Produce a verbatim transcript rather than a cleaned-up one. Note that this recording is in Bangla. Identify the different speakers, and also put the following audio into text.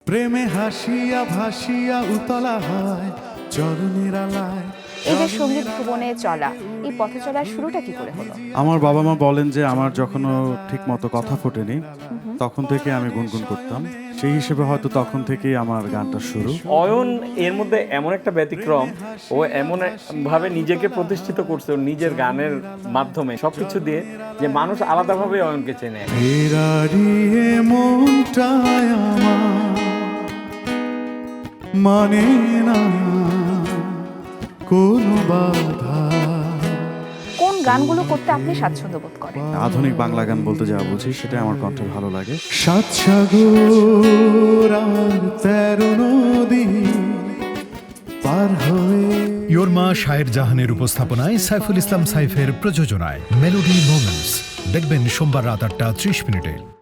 Speaker 1: প্রেমে হাসিয়া ভাসিয়া উতলা হয় চরণের আলায়।
Speaker 2: এই যে সঙ্গীত ভুবনে চলা, এই পথে চলার শুরুটা কি করে হলো?
Speaker 3: আমার বাবা মা বলেন যে আমার যখনও ঠিক মতো কথা ফোটেনি তখন থেকে আমি গুনগুন করতাম, সেই হিসেবে হয়তো তখন থেকেই আমার গানটা শুরু।
Speaker 4: অয়ন এর মধ্যে এমন একটা ব্যতিক্রম, ও এমন ভাবে নিজেকে প্রতিষ্ঠিত করছে ওর নিজের গানের মাধ্যমে সবকিছু দিয়ে, যে মানুষ আলাদাভাবে অয়নকে চেনে।
Speaker 1: ফেরারিয়ে মনটায় আমার মানে না কোনো বাধা।
Speaker 2: কোন গানগুলো করতে আপনি স্বাচ্ছন্দ্য বোধ করেন?
Speaker 3: আধুনিক বাংলা গান বলতে যা বুঝি সেটা আমার কণ্ঠে ভালো লাগে।
Speaker 1: সাত সাগর আর তেরো নদী পার হয়ে।
Speaker 5: ইয়োরমা শায়ের জাহানের উপস্থাপনায় সাইফুল ইসলাম সাইফের প্রযোজনায় মেলোডি মোমেন্টস দেখবেন সোমবার রাত আটটা ত্রিশ মিনিটে।